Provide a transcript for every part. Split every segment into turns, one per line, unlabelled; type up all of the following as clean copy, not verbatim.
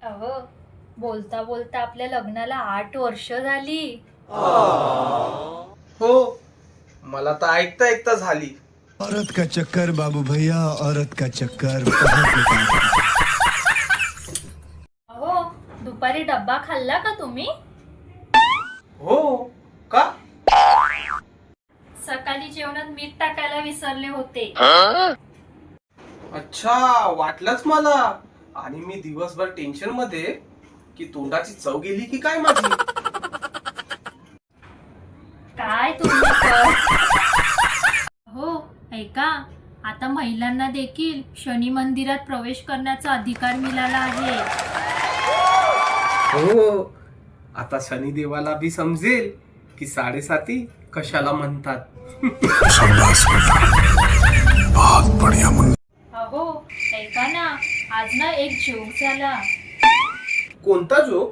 अहो, बोलता बोलता आपल्या लग्नाला 8 वर्ष झाली.
हो, मला तर ऐकता ऐकता झाली.
औरत का चक्कर बाबू भैया, औरत का चक्कर बहुत बेकार है.
अहो, दुपारी डब्बा खाल्ला का तुम्ही?
हो का?
सकाळी जेवणात मीठ टाकायला विसरले होते.
अच्छा, वाटलंच मला. आणि मी दिवसभर टेन्शन मध्ये की तोंडाची चव गेली की काय माझी.
काय तुम्ही तर. हो, ऐका, आता महिलांना देखील शनी मंदिरात प्रवेश करण्याचा अधिकार मिळाला आहे.
हो, आता शनिदेवाला बी समजेल की 7.5 कशाला म्हणतात.
अहो, ऐका ना, आज ना एक जोक झाला.
कोणता जो?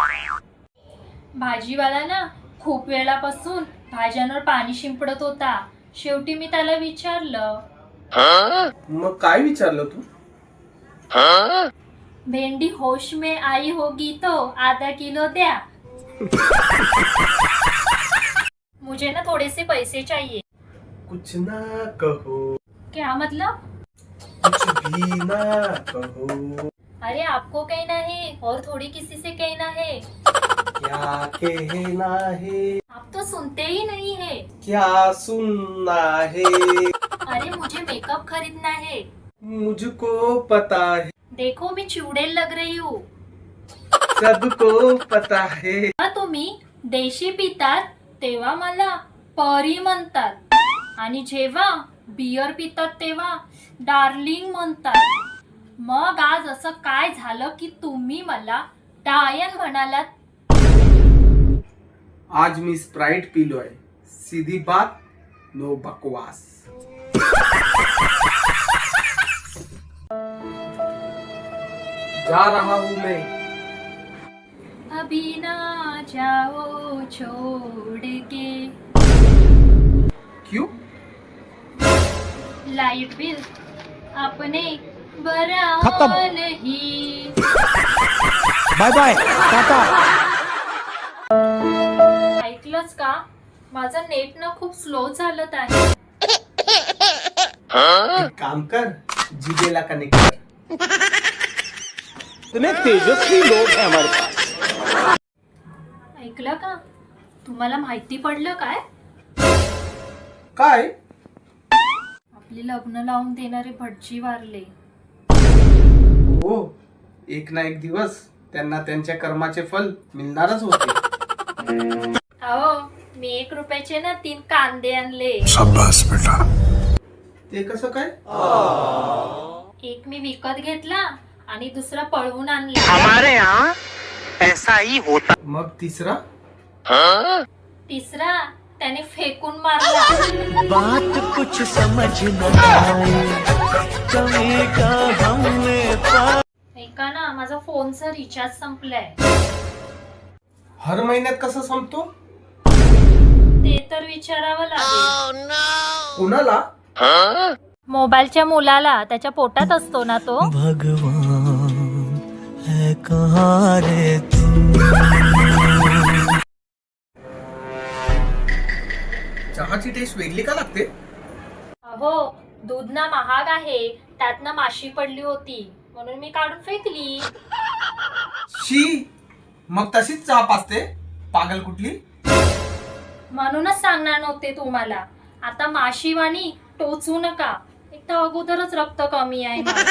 भाजीवाला ना खूप वेळापासून भाज्यांवर पाणी शिंपडत होता. शेवटी मी त्याला विचारलं,
मग काय विचारलं तू?
भेंडी होश में आई होगी तो आधा किलो द्या. मुझे ना थोड़े से पैसे चाहिए.
कुछ ना कहो,
क्या मतलब?
कुछ भी ना कहो,
अरे आपको कहना है और थोड़ी किसी से कहना है.
क्या कहना है,
आप तो सुनते ही नहीं है.
क्या सुनना है,
अरे मुझे मेकअप खरीदना है.
मुझको पता है,
देखो मी चुडेल लग रही हूँ.
सबको पता है.
जेव्हा तुम्ही देशी पितात तेव्हा मला परी म्हणतात आणि जेव्हा बियर पितात तेव्हा डार्लिंग म्हणतात. मग आज असं काय झालं की तुम्ही मला डायन म्हणालात?
आज मी स्प्राइट पिलोय. सीधी बात, नो बकवास. जा रहा हूँ मैं.
अभी ना जाओ छोड़ के.
क्यों?
लाइट बिल अपने बरा नहीं.
Bye bye, tata.
ऐकलंच का? माझं नेट ना खूप स्लो चालत आहे.
एक काम कर, जिबेला कनेक्ट कर.
इतने तेजस्वी लोग हैं हमारे पास.
ऐकलं का? तुम्हाला माहिती पडलं काय?
काय?
आपले लग्न लावून देणारे भटजी वारले.
हो, एक ना एक दिवस त्यांना त्यांच्या कर्माचे फल मिळणारच होते.
अहो, मी 1 रुपयाचे ना 3 कांदे आणले.
शाबाश बेटा.
ते कसं काय?
एक मी विकत घेतला आणि दुसरा पळवून आणला.
हमारे यहाँ ऐसा ही होता.
मग तिसरा?
तिसरा त्याने फेकून मारला.
बात कुछ समझ न आए, कमी का हमने
ऐका ना, माझा फोनचा रिचार्ज संपलाय.
हर महिन्यात कसं संपतो?
ते तर विचारावं लागेल.
कुणाला?
मोबाईलच्या मुलाला, त्याच्या पोटात असतो ना तो.
भगवान है कहाँ रे तू.
चहाची टेस्ट वेगळी का लागते?
अहो, दूध ना महाग आहे, त्यात ना माशी पडली होती म्हणून मी काढून फेकली.
शी, मग तशीच चहा पाजते? पागल कुठली.
म्हणूनच सांगणार नव्हते तुम्हाला. आता माशीवाणी टोचू नका. एक तर अगोदरच रक्त कमी आहे माझं.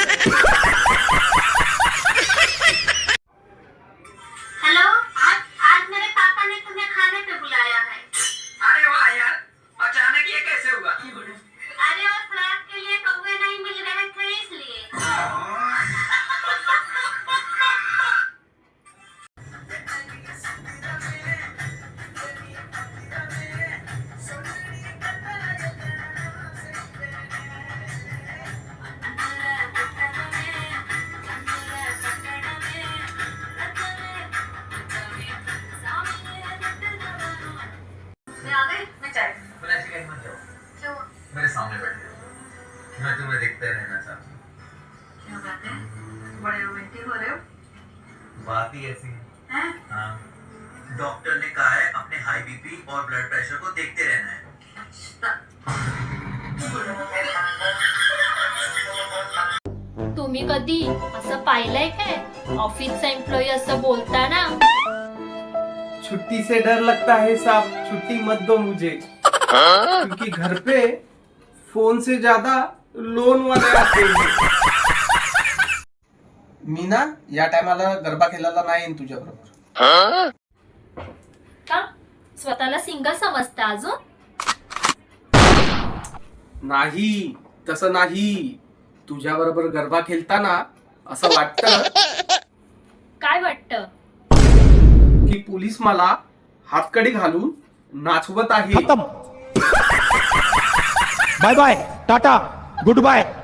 हेलो, आज मेरे पापा ने तुम्हें खाने पे बुलाया है.
अरे वाह यार, अचानक ये कैसे हुआ?
अरे वो फ्लैट के लिए कौवे नहीं मिल रहे थे इसलिए.
बात ही ऐसी है।
हैं?
हाँ, डॉक्टर ने कहा है अपने हाई बीपी और ब्लड प्रेशर को देखते रहना है।
तुम्ही कधी असं पाहिलंय काय ऑफिसचा एम्प्लॉई असं बोलताना?
छुट्टी से डर लगता है साहब, छुट्टी मत दो मुझे, क्योंकि घर पे फोन से ज्यादा लोन वाले आते हैं. मी ना या टायमाला गरबा खेळायला नाही येईन तुझ्या बरोबर.
का स्वतःला सिंगल समजता अजून?
नाही, तसं नाही. तुझ्या बरोबर गरबा खेळताना असं वाटतं
काय वाटतं?
की पोलीस मला हातकडी घालून नाचवत आहे.
Bye bye, tata, good bye.